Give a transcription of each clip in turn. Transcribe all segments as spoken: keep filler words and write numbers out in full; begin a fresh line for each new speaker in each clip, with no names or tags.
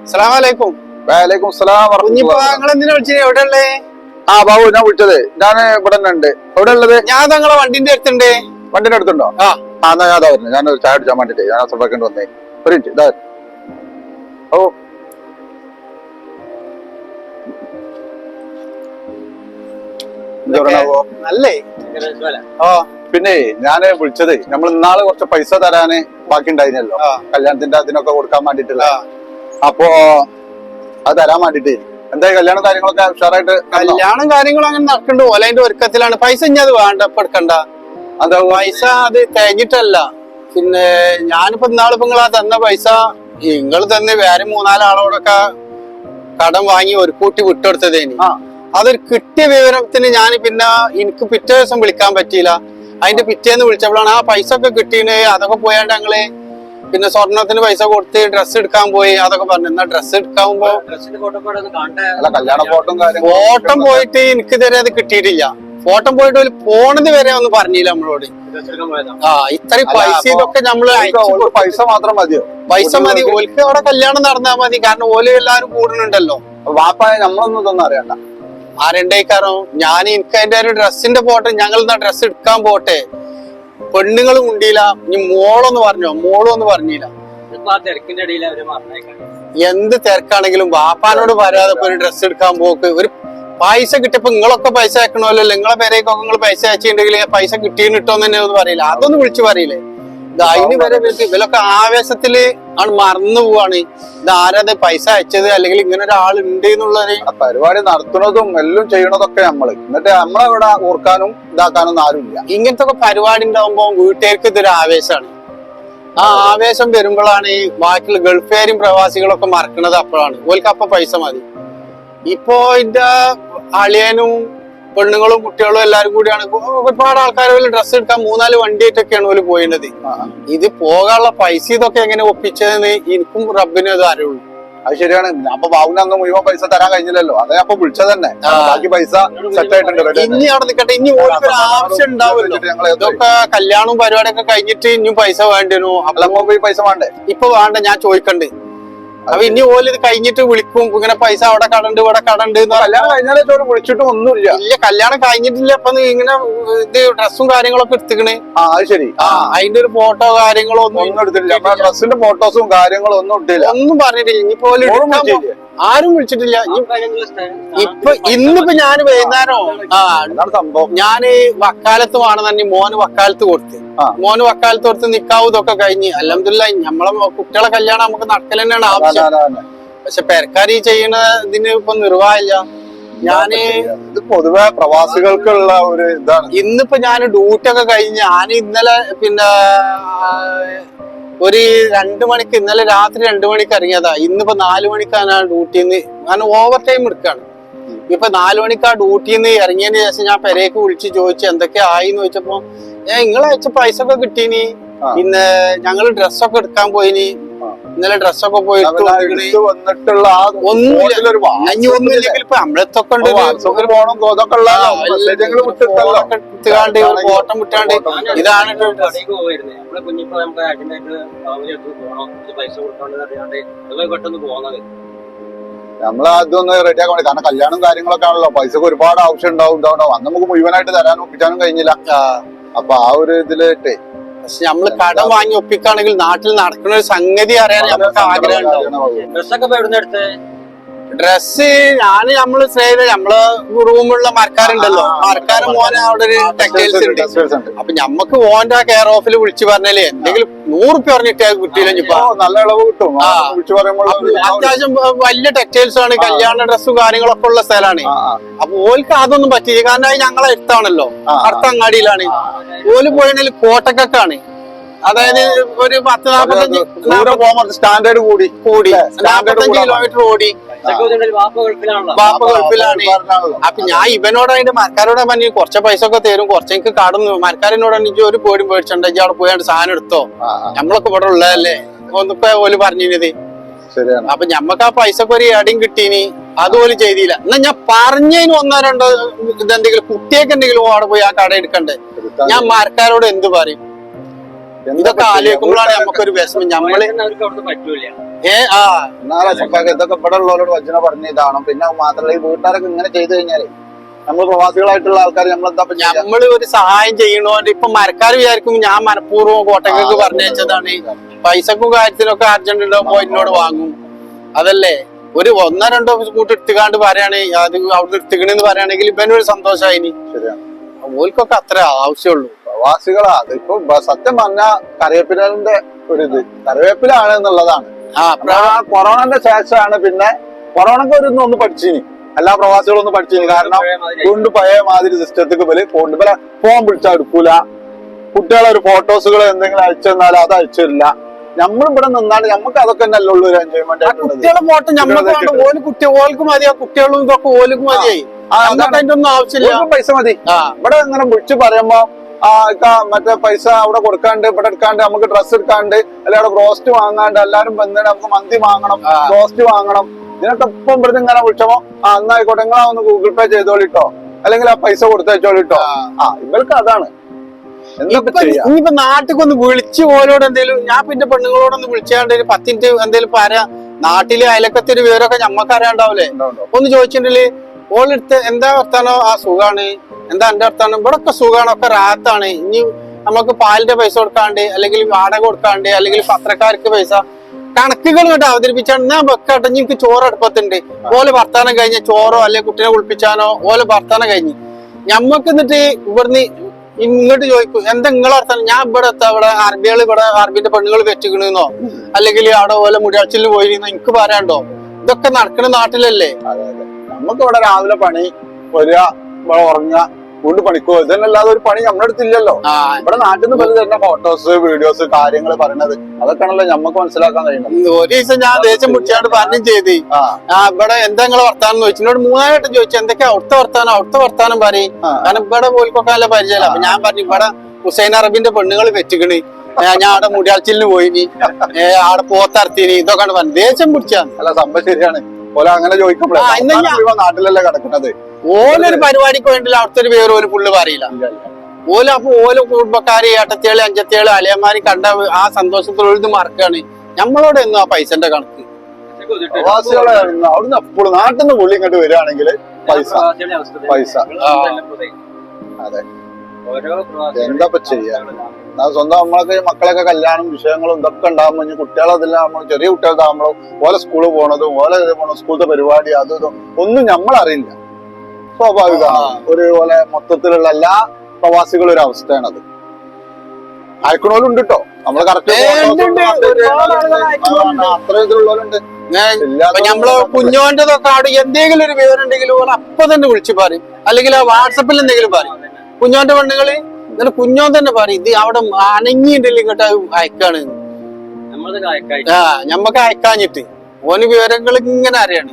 അസ്സലാമലൈക്കും.
വലൈക്കും സ്സലാം.
എവിടെയുള്ളേ?
ആ ബാബു, ഞാൻ വിളിച്ചത് ഞാൻ ഇവിടെ തന്നെ ഉണ്ട്. എവിടെ ഉള്ളത്?
ഞാൻ നിങ്ങളെ വണ്ടിന്റെ അടുത്തുണ്ട്.
വണ്ടിന്റെ അടുത്തുണ്ടോ?
ആ
ആ എന്നാ ഞാൻ വരുന്നത്. ഞാൻ ഒരു ചായ അടിച്ചാൻ വേണ്ടിട്ട് ഞാൻ അസർക്കേണ്ടി വന്നേ. ഒരു മിനിറ്റ് ഇതാ. ഓ
നല്ലേ.
ആ പിന്നെ ഞാന് വിളിച്ചത് നമ്മൾ ഇന്നാള് കുറച്ച് പൈസ തരാന് ബാക്കി ഉണ്ടായിരുന്നല്ലോ, കല്യാണത്തിന്റെ അതിനൊക്കെ കൊടുക്കാൻ വേണ്ടിട്ടുള്ള. അപ്പൊ അത് തരാൻ വേണ്ടിട്ട് എന്തായാലും കല്യാണം കാര്യങ്ങളൊക്കെ ഉഷാറായിട്ട്.
കല്യാണം കാര്യങ്ങളും അങ്ങനെ നടക്കണ്ട പോലെ അതിന്റെ ഒരുക്കത്തിലാണ്. പൈസ ഇനി അത് വേണ്ട, ഇപ്പൊ എടുക്കണ്ട.
അതാ
പൈസ അത് തേഞ്ഞിട്ടല്ല. പിന്നെ ഞാനിപ്പോ ഇന്നാളിപ്പോ നിങ്ങളാ തന്ന പൈസ നിങ്ങൾ തന്നെ വേറെ മൂന്നാലാളോടൊക്കെ കടം വാങ്ങി ഒരു കൂട്ടി വിട്ടെടുത്തതേനി. അതൊരു കിട്ടിയ വിവരത്തിന് ഞാൻ പിന്നെ എനിക്ക് പിറ്റേ ദിവസം വിളിക്കാൻ പറ്റിയില്ല. അതിന്റെ പിറ്റേന്ന് വിളിച്ചപ്പോഴാണ് ആ പൈസ ഒക്കെ കിട്ടീന്. അതൊക്കെ പോയാണ്ട് ഞങ്ങള് പിന്നെ സ്വർണത്തിന് പൈസ കൊടുത്ത് ഡ്രസ്സ് എടുക്കാൻ പോയി. അതൊക്കെ പറഞ്ഞു. എന്നാ ഡ്രസ്സ് എടുക്കാവുമ്പോ ഫോട്ടം പോയിട്ട് എനിക്ക് ഇതുവരെ അത് കിട്ടിയിട്ടില്ല. ഫോട്ടം പോയിട്ട് ഒരു പോണത് വരെ ഒന്നും പറഞ്ഞില്ല നമ്മളോട്. ആ ഇത്രയും പൈസ ഇതൊക്കെ നമ്മള്
പൈസ മാത്രം മതിയോ?
പൈസ മതി. ഓൽക്ക് അവിടെ കല്യാണം നടന്നാൽ മതി. കാരണം ഓല് എല്ലാരും കൂടുന്നുണ്ടല്ലോ.
വാപ്പായ നമ്മളൊന്നും ഇതൊന്നും അറിയണ്ട.
ആരെണ്ടേക്കാരോ ഞാൻ എനിക്ക് അതിന്റെ ഒരു ഡ്രസ്സിന്റെ പോട്ടെ, ഞങ്ങൾ എന്നാ ഡ്രസ്സ് എടുക്കാൻ പോട്ടെ. പെണ്ണുങ്ങളും ഉണ്ടില്ല. ഇനി മോളൊന്ന് പറഞ്ഞോ? മോളും ഒന്ന് പറഞ്ഞില്ല. എന്ത് തിരക്കാണെങ്കിലും വാപ്പാനോട് വരാതെ ഒരു ഡ്രസ്സ് എടുക്കാൻ പോക്ക്. ഒരു പൈസ കിട്ടിയപ്പോ നിങ്ങളൊക്കെ പൈസ അയക്കണമല്ലോ. നിങ്ങളെ പേരേക്കൊക്കെ നിങ്ങൾ പൈസ അയച്ചിട്ടുണ്ടെങ്കിൽ പൈസ കിട്ടിയെന്ന് കിട്ടുമെന്ന് തന്നെ ഒന്നും പറയില്ല. അതൊന്നും വിളിച്ചു പറയില്ലേ? അതിന് വരെ ഇവരൊക്കെ ആവേശത്തില് ആണ് മറന്നു പോവാണ്. ഇത് ആരത് പൈസ അയച്ചത്, അല്ലെങ്കിൽ ഇങ്ങനെ ഒരാൾ ഉണ്ട് എന്നുള്ളൊരു
പരിപാടി നടത്തുന്നതും എല്ലാം ചെയ്യണതൊക്കെ നമ്മള്. എന്നിട്ട് നമ്മളവിടെ ഓർക്കാനും ഇതാക്കാനൊന്നും ആരുമില്ല.
ഇങ്ങനത്തെ ഒക്കെ പരിപാടി ഉണ്ടാവുമ്പോ വീട്ടുകാർക്ക് ഇതൊരു ആവേശമാണ്. ആ ആവേശം വരുമ്പോഴാണ് ഈ ബാക്കിയുള്ള ഗൾഫുകാരും പ്രവാസികളൊക്കെ മറക്കണത്. അപ്പോഴാണ് ഓൽക്ക് അപ്പൊ പൈസ മതി. ഇപ്പോ ഇതിന്റെ അളിയനും പെണ്ണുങ്ങളും കുട്ടികളും എല്ലാരും കൂടിയാണ്. ഒരുപാട് ആൾക്കാർ ഡ്രസ്സ് എടുക്കാൻ മൂന്നാല് വണ്ടിയായിട്ടൊക്കെയാണ് ഓല് പോയിരുന്നത്. ഇത് പോകാനുള്ള പൈസ ഇതൊക്കെ എങ്ങനെ ഒപ്പിച്ചതെന്ന് എനിക്കും റബ്ബിനും അത് അറിയുള്ളൂ.
അത് ശരിയാണ്. അപ്പൊ ബാബുവിന് അന്ന് മുഴുവൻ പൈസ തരാൻ കഴിഞ്ഞില്ലല്ലോ. അതെ അപ്പൊ വിളിച്ചത് തന്നെ. ബാക്കി പൈസ സെറ്റ് ആയിട്ടുണ്ട്.
ഇനി അവിടെ നിൽക്കട്ടെ. ഇനി ഓർക്കൊരു ആവശ്യം ഉണ്ടാവുമല്ലോ. ഇതൊക്കെ കല്യാണവും പരിപാടിയൊക്കെ കഴിഞ്ഞിട്ട് ഇനിയും പൈസ വേണ്ടി വരും.
അപ്പൊ ഈ പൈസ വേണ്ടേ?
ഇപ്പൊ വേണ്ട, ഞാൻ ചോദിക്കണ്ട്. അപ്പൊ ഇനി ഓല് ഇത് കഴിഞ്ഞിട്ട് വിളിക്കും. ഇങ്ങനെ പൈസ അവിടെ കടണ്ട് ഇവിടെ കടണ്ട്.
കല്യാണം കഴിഞ്ഞാലേ ചോറ് വിളിച്ചിട്ടും ഒന്നുമില്ല.
ഇല്ല, കല്യാണം കഴിഞ്ഞിട്ടില്ല. അപ്പൊ ഇങ്ങനെ ഇത് ഡ്രസ്സും കാര്യങ്ങളൊക്കെ എടുത്തിക്കണേ.
ആ അത് ശരി.
ആ അതിന്റെ ഒരു ഫോട്ടോ കാര്യങ്ങളോ ഒന്നും
ഒന്നും എടുത്തില്ല. ഡ്രസ്സിന്റെ ഫോട്ടോസും കാര്യങ്ങളും ഒന്നും ഇട്ടില്ല.
ഒന്നും പറഞ്ഞിട്ടില്ല. ഇനിയിപ്പോ ആരും വിളിച്ചിട്ടില്ല. ഇപ്പൊ ഇന്നിപ്പോ ഞാൻ വൈകുന്നേരം ആ
സംഭവം
ഞാന് വക്കാലത്ത് വേണമെന്നെ മോന് വക്കാലത്ത് കൊടുത്ത് മോന് വക്കാലത്ത് കൊടുത്ത് നിക്കാവും ഇതൊക്കെ കഴിഞ്ഞ്. അൽഹംദുലില്ലാഹ് നമ്മളെ കുട്ടികളെ കല്യാണം നമുക്ക് നടക്കൽ തന്നെയാണ് ആവശ്യം. പക്ഷെ പെരക്കാർ ഈ ചെയ്യണ ഇതിന് ഇപ്പൊ നിർവാഹമില്ല. ഞാന്
ഇത് പൊതുവെ പ്രവാസികൾക്കുള്ള ഒരു ഇതാണ്.
ഇന്നിപ്പോ ഞാൻ ഡ്യൂട്ടി ഒക്കെ കഴിഞ്ഞ് ഞാൻ ഇന്നലെ പിന്നെ ഒരു രണ്ടു മണിക്ക് ഇന്നലെ രാത്രി രണ്ടു മണിക്ക് ഇറങ്ങിയതാ. ഇന്നിപ്പോ നാലു മണിക്കാണ് ആ ഡ്യൂട്ടിന്ന്. കാരണം ഓവർ ടൈം എടുക്കാണ്. ഇപ്പൊ നാലു മണിക്ക് ആ ഡ്യൂട്ടിന്ന് ഇറങ്ങിയതിന് ശേഷം ഞാൻ പെരേക്ക് വിളിച്ച് ചോദിച്ചു എന്തൊക്കെ ആയിന്ന് ചോദിച്ചപ്പോ ഏ നിങ്ങളെ അയച്ച പൈസ ഒക്കെ കിട്ടീനി. പിന്നെ ഞങ്ങള് ഡ്രസ്സൊക്കെ എടുക്കാൻ പോയിനി. ഇന്നലെ ഡ്രസ്സൊക്കെ പോയി
വന്നിട്ടുള്ള
ഒന്നുമില്ലെങ്കിൽ ഇപ്പൊ നമ്മളെത്തൊക്കെ ഉണ്ട്. ഫോട്ടം വിട്ടാണ്ട് ഇതാണ്
നമ്മൾ അതൊന്ന് റെഡിയാക്കാൻ വേണ്ടി. കാരണം കല്യാണം കാര്യങ്ങളൊക്കെ ആണല്ലോ, പൈസക്ക് ഒരുപാട് ആവശ്യം ഉണ്ടാവും. ഇതാവണോ അന്ന് നമുക്ക് മുഴുവനായിട്ട് തരാനും ഒപ്പിക്കാനും കഴിഞ്ഞില്ല. അപ്പൊ ആ ഒരു ഇതിലിട്ട്
പക്ഷെ നമ്മള് കടം വാങ്ങി ഒപ്പിക്കുകയാണെങ്കിൽ നാട്ടിൽ നടക്കുന്ന ഒരു സംഗതി അറിയാൻ നമുക്ക് ആഗ്രഹം ഉണ്ടാവും. ഡ്രസ്സ് ഞാന് നമ്മള് ചെയ്ത് നമ്മള് റൂമുള്ള മരക്കാരുണ്ടല്ലോ, മരക്കാരൻ മോനെ അവിടെ ഒരു ടെക്സ്റ്റൈൽസ് ഉണ്ട്. അപ്പൊ ഞമ്മക്ക് ഓന്റെ കെയർ ഓഫിൽ വിളിച്ചു പറഞ്ഞാല് എന്തെങ്കിലും നൂറുപ്യ പറഞ്ഞിട്ട് കിട്ടിയില്ല. ഇപ്പൊ
നല്ല ഇളവ് കിട്ടും.
അത്യാവശ്യം വലിയ ടെക്സ്റ്റൈൽസ് ആണ്. കല്യാണ ഡ്രസ്സും കാര്യങ്ങളൊക്കെ ഉള്ള സ്ഥലമാണ്. അപ്പൊ ഓൽക്ക് അതൊന്നും പറ്റില്ല. കാരണം അത് ഞങ്ങളെ അടുത്താണല്ലോ, അടുത്ത അങ്ങാടിയിലാണ്. ഓല് പോയതിൽ കോട്ടക്കൊക്കെയാണ്. അതായത് ഒരു പത്ത് നാപ്പത്തഞ്ച്
സ്റ്റാൻഡേർഡ് കൂടി
കൂടി നാപ്പത്തഞ്ച് കിലോമീറ്റർ ഓടി. ബാപ്പ ഗൾഫിലാണ്. അപ്പൊ ഞാൻ ഇവനോട് അതിന്റെ മരക്കാരോട് പറഞ്ഞു കുറച്ച് പൈസ ഒക്കെ തരും, കുറച്ച് എനിക്ക് കടന്നു. മരക്കാരനോട് എനിക്ക് ഒരു പേടി പേടിച്ചുണ്ട്, അവിടെ പോയാണ്ട് സാധനം എടുത്തോ, നമ്മളൊക്കെ ഇവിടെ ഉള്ളതല്ലേ ഒന്നിപ്പോ ഓല് പറഞ്ഞത്. അപ്പൊ ഞമ്മക്ക് ആ പൈസക്ക് ഒരു അടിയും കിട്ടീനി. അതുപോലെ ചെയ്തില്ല. എന്നാ ഞാൻ പറഞ്ഞതിന് ഒന്നോ രണ്ടോ ഇതെന്തെങ്കിലും കുട്ടിയൊക്കെ എന്തെങ്കിലും അവിടെ പോയി ആ കട എടുക്കണ്ടേ. ഞാൻ മരക്കാരോട് എന്ത് പറയും? ഇതൊക്കെ ആലോചിക്കുമ്പോഴാണ് നമുക്കൊരു വിഷമം. നമ്മള് ഏ ആ
എന്നാലും അസഫാക്ക് ഇതൊക്കെ ഇവിടെ ഉള്ളവരോട് വജ്ജന പറഞ്ഞ ഇതാണ്. പിന്നെ മാത്രമല്ല ഈ വീട്ടുകാരൊക്കെ ഇങ്ങനെ ചെയ്തു കഴിഞ്ഞാല് നമ്മൾ പ്രവാസികളായിട്ടുള്ള ആൾക്കാർ നമ്മളെന്താ
നമ്മള് ഒരു സഹായം ചെയ്യണോണ്ട് ഇപ്പൊ മരക്കാർ വിചാരിക്കും ഞാൻ മനഃപൂർവ്വം കോട്ടയ്ക്കൊക്കെ പറഞ്ഞയച്ചതാണ്, പൈസക്കും കാര്യത്തിനൊക്കെ അർജന്റ് ഉണ്ടോ പോയിനോട് വാങ്ങും. അതല്ലേ ഒരു ഒന്നോ രണ്ടോ കൂട്ടി എടുത്തുകാണ്ട് പറയാണ് അത് അവിടെ എടുത്തുകണെന്ന് പറയുകയാണെങ്കിൽ ഇവനൊരു സന്തോഷമായി. ഓൽക്കൊക്കെ അത്ര ആവശ്യമുള്ളൂ.
പ്രവാസികളാ അതിപ്പോ സത്യം പറഞ്ഞ കറിവേപ്പിലിന്റെ ഒരു ഇത് കറിവേപ്പിലാണ് എന്നുള്ളതാണ്. ആ കൊറോണന്റെ ശേഷമാണ് പിന്നെ കൊറോണക്ക് ഒരു ഒന്ന് പഠിച്ചിനി, എല്ലാ പ്രവാസികളും ഒന്ന് പഠിച്ചിനി. കാരണം കൊണ്ട് പഴയ മാതിരി സിസ്റ്റത്തേക്ക് പോലെ കൊണ്ട് പോലെ ഫോൺ പിടിച്ചാൽ എടുക്കൂല, കുട്ടികളെ ഒരു ഫോട്ടോസുകൾ എന്തെങ്കിലും അയച്ചു തന്നാൽ അത് അയച്ചു തരില്ല. നമ്മളിവിടെ നിന്നാണ് നമുക്ക് അതൊക്കെ തന്നെ അല്ലേ ഉള്ളൂ ഒരു എൻജോയ്മെന്റ്.
കുട്ടികളെ ഫോട്ടോ നമ്മൾക്ക് ഓല് കുട്ടി ഓൽക്ക് മതിയാ, കുട്ടികളും ഇതൊക്കെ ഓൽക്ക് മതിയായി, അതിന്റെ ഒന്നും ആവശ്യമില്ല,
പൈസ മതി. ഇവിടെ ഇങ്ങനെ വിളിച്ച് പറയുമ്പോ ആ മറ്റേ പൈസ അവിടെ കൊടുക്കാണ്ട് ഇവിടെ എടുക്കാണ്ട് നമുക്ക് ഡ്രസ്സ് എടുക്കാണ്ട് അല്ലെ അവിടെ ബ്രോസ്റ്റ് വാങ്ങാണ്ട് എല്ലാരും വന്നിട്ട് നമുക്ക് മന്തി വാങ്ങണം, ബ്രോസ്റ്റ് വാങ്ങണം, ഇതിനൊക്കെ ഇപ്പം ഇവിടുന്ന് ഇങ്ങനെ വിളിച്ചപ്പോ ആ എന്നായിക്കോട്ടെ നിങ്ങളാ ഒന്ന് ഗൂഗിൾ പേ ചെയ്തോളിട്ടോ അല്ലെങ്കിൽ ആ പൈസ കൊടുത്തയച്ചോളിട്ടോ. ആ ഇവർക്ക് അതാണ്.
ഇനിയിപ്പോ നാട്ടിൽ വിളിച്ച് ഓരോട് എന്തേലും ഞാൻ പിന്നെ പെണ്ണുങ്ങളോടൊന്ന് വിളിച്ചാണ്ട് ഒരു പത്തിൻ്റെ എന്തേലും പറയാ നാട്ടിലെ അയലക്കത്തിന്റെ വിവരമൊക്കെ ഞമ്മക്ക് അറിയാണ്ടാവൂലേ. ഒന്ന് ചോദിച്ചിട്ടുണ്ടെങ്കിൽ ഓളെടുത്ത് എന്താ വർത്താനോ ആ സുഖാണ്, എന്താ എന്റെ വർത്താനം ഇവിടെ ഒക്കെ സുഖാണ്, ഒക്കെ റാത്താണ്. ഇനി നമുക്ക് പാലിന്റെ പൈസ കൊടുക്കാണ്ട് അല്ലെങ്കിൽ വാടക കൊടുക്കാണ്ട് അല്ലെങ്കിൽ പത്രക്കാർക്ക് പൈസ കണക്കുകൾ കേട്ടോ അവതരിപ്പിച്ചാണ് ഞാൻ വെക്കാട്ടെ. എനിക്ക് ചോറ് അടുപ്പത്തുണ്ട്, ഓലെ വർത്താനം കഴിഞ്ഞ ചോറോ അല്ലെങ്കിൽ കുട്ടീനെ കുളിപ്പിച്ചാനോ ഓലെ വർത്താനം കഴിഞ്ഞ് ഞമ്മക്ക് എന്നിട്ട് ഇവിടുന്ന് ഇങ്ങോട്ട് ചോദിക്കും എന്താ നിങ്ങളെ വർത്താനം. ഞാൻ ഇവിടെ എത്താ ഇവിടെ അറബികൾ ഇവിടെ അറബിന്റെ പെണ്ണുകൾ വെച്ചിക്കണെന്നോ അല്ലെങ്കിൽ അവിടെ ഓലെ മുടിയാച്ചിൽ പോയിരുന്നോ എനിക്ക് പറയാണ്ടോ. ഇതൊക്കെ നടക്കണ നാട്ടിലല്ലേ.
നമുക്ക് ഇവിടെ രാവിലെ പണി വരിക, ഇവിടെ ഉറങ്ങുക, കൊണ്ട് പണിക്കോ, ഇതല്ലാതെ ഒരു പണി നമ്മുടെ അടുത്തില്ലല്ലോ. ഇവിടെ നാട്ടിൽ നിന്ന് പല തന്നെ ഫോട്ടോസ് വീഡിയോസ് കാര്യങ്ങൾ പറയണത് അതൊക്കെയാണല്ലോ നമുക്ക് മനസ്സിലാക്കാൻ കഴിയുന്നത്.
ഒരു ദിവസം ഞാൻ ദേശം മുടിച്ചാണ്ട് പറഞ്ഞു ചെയ്ത് ആ ഇവിടെ എന്താ നിങ്ങളെ വർത്താനം ചോദിച്ചു, എന്നോട് മൂന്നായിട്ട് ചോദിച്ചു എന്തൊക്കെയാ അവിടുത്തെ വർത്താനം അവിടുത്തെ വർത്താനം പറയും. കാരണം ഇവിടെ പോയിക്കൊക്കെ നല്ല പരിചയമില്ല. അപ്പൊ ഞാൻ പറഞ്ഞു ഇവിടെ ഹുസൈൻ അറബിന്റെ പെണ്ണുങ്ങൾ വെച്ചിക്കണ്, ഞാൻ അവിടെ മുടിയാച്ചിലിന് പോയിനി, അവിടെ പോത്തർത്തിന്, ഇതൊക്കെ പറഞ്ഞു ദേശം പിടിച്ചാണ്.
അല്ല സംഭവം ശരിയാണ്. ഓല അങ്ങനെ ചോദിക്കുമ്പോഴേ നാട്ടിലല്ലേ കിടക്കുന്നത്.
ഓലൊരു പരിപാടിക്ക് വേണ്ടില്ല അവിടുത്തെ ഒരു പേര് ഒരു പുള്ളി പറയില്ല. ഓല അപ്പൊ ഓല കുടുംബക്കാര് ഏട്ടത്തിയാള് അഞ്ചത്തിയാള് അളിയന്മാര് കണ്ട ആ സന്തോഷത്തോട് മറക്കാണ്. നമ്മളോട് എന്നും ആ പൈസന്റെ കണക്ക്.
പ്രവാസികളെ അവിടുന്ന് എപ്പോഴും നാട്ടിൽ നിന്ന് പുള്ളി ഇങ്ങോട്ട് വരികയാണെങ്കിൽ പൈസ പൈസ അതെ എന്താ ചെയ്യാ. സ്വന്തം നമ്മളൊക്കെ മക്കളൊക്കെ കല്യാണം വിഷയങ്ങളും ഇതൊക്കെ ഉണ്ടാകുമ്പോ ഇനി കുട്ടികളതെല്ലാം നമ്മൾ ചെറിയ കുട്ടികളാകുമ്പോഴോ ഓലെ സ്കൂളിൽ പോണതും ഓലെ പോണ സ്കൂളത്തെ പരിപാടി അതും ഇതും ഒന്നും നമ്മളറിയില്ല. സ്വാഭാവികമാണ്. ഒരു പോലെ മൊത്തത്തിലുള്ള എല്ലാ പ്രവാസികളും ഒരു അവസ്ഥയാണത്. അയക്കണോലും ഉണ്ട് കേട്ടോ, നമ്മള് കറക്റ്റ് അത്ര ഇതിലുള്ളവരുണ്ട്.
നമ്മള് കുഞ്ഞോന്റെതൊക്കെ അവിടെ എന്തെങ്കിലും ഒരു വിവരം ഉണ്ടെങ്കിലും അപ്പൊ തന്നെ വിളിച്ചു പറയും, അല്ലെങ്കിൽ ആ വാട്സപ്പിൽ എന്തെങ്കിലും പറയും. കുഞ്ഞോന്റെ പെണ്ണുങ്ങള് എന്നിട്ട് കുഞ്ഞോൻ തന്നെ പറയും ഇത് അവിടെ അനങ്ങിയിട്ടില്ല ഇങ്ങോട്ട് അയക്കാണ്. ആ ഞമ്മക്ക് അയക്കാഞ്ഞിട്ട് ഓന് വിവരങ്ങൾ ഇങ്ങനെ അറിയാണ്.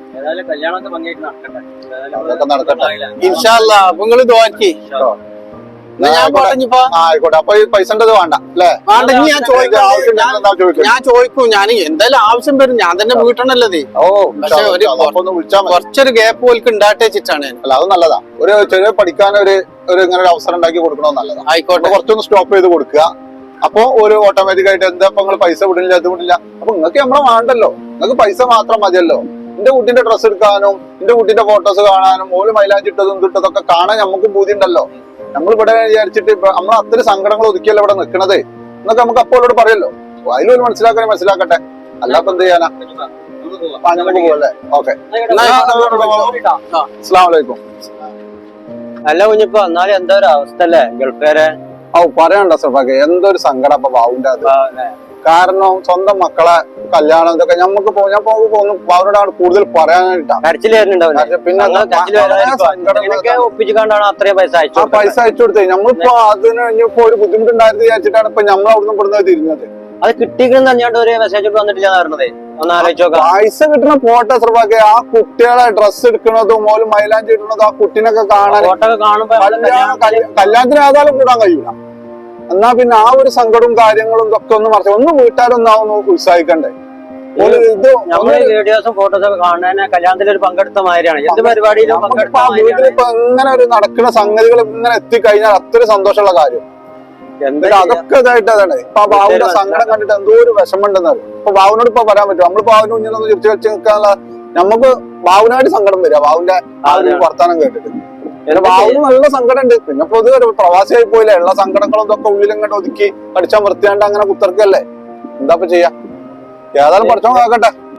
ഇൻഷാ അല്ലാ അപ്പൊ നിങ്ങള് തോറ്റി ഞാൻ പറഞ്ഞപ്പോ
ആയിക്കോട്ടെ. അപ്പൊ ഈ പൈസന്റെ വേണ്ട അല്ലേ?
വേണ്ടെങ്കിൽ ഞാൻ ചോദിക്കും ഞാൻ ചോദിക്കും ഞാൻ എന്തായാലും ആവശ്യം വരും, ഞാൻ തന്നെ വീട്ടണല്ലത്. പക്ഷെ ഒരു കുറച്ചൊരു ഗ്യാപ്പ് പോലും ഉണ്ടാട്ടെ വെച്ചിട്ടാണ്.
അല്ല അത് നല്ലതാ. ഒരു ചെറിയ പഠിക്കാൻ ഒരു ഒരു ഇങ്ങനെ ഒരു അവസരം ഉണ്ടാക്കി കൊടുക്കണത് നല്ലതാണ്.
ആയിക്കോട്ടെ.
കുറച്ചൊന്ന് സ്റ്റോപ്പ് ചെയ്ത് കൊടുക്കുക. അപ്പൊ ഒരു ഓട്ടോമാറ്റിക് ആയിട്ട് എന്താ ഇപ്പൊ നിങ്ങൾ പൈസ വിടില്ല അത് വിടില്ല. അപ്പൊ നിങ്ങൾക്ക് നമ്മളെ വേണ്ടല്ലോ, നിങ്ങൾക്ക് പൈസ മാത്രം മതിയല്ലോ. എന്റെ കുട്ടിന്റെ ഡ്രസ്സ് എടുക്കാനും എന്റെ കുട്ടിന്റെ ഫോട്ടോസ് കാണാനും ഓല് മൈലാഞ്ചിട്ടതും ഇട്ടതൊക്കെ കാണാൻ നമുക്ക് ബുദ്ധി ഉണ്ടല്ലോ. നമ്മളിവിടെ വിചാരിച്ചിട്ട് നമ്മൾ അത്ര സങ്കടങ്ങൾ ഒതുക്കിയല്ലോ ഇവിടെ നിൽക്കണത് എന്നൊക്കെ നമുക്ക് അപ്പോഴോട് പറയല്ലോ. അതിലൊരു മനസ്സിലാക്കാൻ മനസ്സിലാക്കട്ടെ, അല്ലാപ്പൊ എന്ത് ചെയ്യാനാ. നമുക്ക് പോവല്ലേ? ഓക്കെ, അസ്സലാമു അലൈക്കും.
അല്ല കുഞ്ഞിപ്പോ എന്നാലും എന്താ ഒരു അവസ്ഥ അല്ലേ ഗൾഫുകാരെ?
ഓ പറയണ്ട സഫാക്ക്, എന്തൊരു സങ്കടം അപ്പൊ ബാവുന്റെ അത്. കാരണം സ്വന്തം മക്കളെ കല്യാണം ഇതൊക്കെ ഞമ്മക്ക് ഞാൻ പോകുന്നു അവരോടാണ് കൂടുതൽ പറയാനായിട്ടാണ്.
പിന്നെ ഒപ്പിച്ചുകൊണ്ടാണ് അത്രയും പൈസ
ആ പൈസ അയച്ചു കൊടുത്തേ. നമ്മളിപ്പോ അതിന് ഇനിയിപ്പോ ഒരു ബുദ്ധിമുട്ടുണ്ടായിരുന്നു വിചാരിച്ചിട്ടാണ് ഇപ്പൊ നമ്മൾ അവിടുന്ന് ഇവിടുന്ന് തിരിഞ്ഞത്.
അത് കിട്ടിയെന്ന് തന്നെയാണ്ട് ഒരു മെസ്സേജ് വന്നിട്ടില്ല പറഞ്ഞത്. ഒന്ന് ആലോചിച്ച് നോക്കാം.
പൈസ കിട്ടുന്ന ഫോട്ടോ സഫാക്ക് ആ കുട്ടികളെ ഡ്രസ്സ് എടുക്കണതും ഓല് മൈലാഞ്ചി ഇടുന്നതും ആ കുട്ടീനൊക്കെ കാണാൻ
ഫോട്ടോ കാണുമ്പോ
കല്യാണത്തിന് ഏതായാലും കൂടാൻ കഴിയൂല. എന്നാ പിന്നെ ആ ഒരു സങ്കടവും കാര്യങ്ങളും ഇതൊക്കെ ഒന്ന് മറച്ചു ഒന്ന് വീട്ടുകാരൊന്നാവുന്നു ഉത്സാഹിക്കണ്ടേ. ഇത്
വീഡിയോസും ഫോട്ടോസും ഒക്കെ കാണാൻ കല്യാണത്തിൽ ഒരു പങ്കെടുത്ത മാതിരിയാണ്. എന്ത് പരിപാടിയിലും
വീട്ടിലിപ്പോ ഇങ്ങനെ ഒരു നടക്കുന്ന സംഗതികൾ ഇങ്ങനെ എത്തിക്കഴിഞ്ഞാൽ അത്ര സന്തോഷമുള്ള കാര്യം. എന്നിട്ട് അതൊക്കെ ഇതായിട്ട് അതാണ് ഇപ്പൊ ആ ബാബുവിന്റെ സങ്കടം കണ്ടിട്ട് എന്തോ ഒരു വിഷമമുണ്ടെന്ന് ഇപ്പൊ ബാബുവിനോട് ഇപ്പൊ പറയാൻ പറ്റും നമ്മള് ബാബുവിന് മുന്നിലൊന്ന് ചിരിച്ചു വെച്ച് നിൽക്കാനുള്ള നമുക്ക് ബാബുവിനായിട്ട് സങ്കടം വരിക ബാബുവിന്റെ ആ ഒരു വർത്താനം കേട്ടിട്ട് പിന്നെ ബാബുവിന് നല്ല സങ്കടം ഉണ്ട് പിന്നെ പൊതുവെ ഒരു പ്രവാസിയായി പോയില്ലേ ഉള്ള സങ്കടങ്ങളും ഇതൊക്കെ ഉള്ളിലിങ്ങോട്ട് ഒതുക്കി അടിച്ചാൽ വൃത്തിയാണ്ട് അങ്ങനെ കുത്തർക്കല്ലേ എന്താ ഇപ്പൊ ചെയ്യാ ഏതായാലും പഠിച്ചോ നോക്കട്ടെ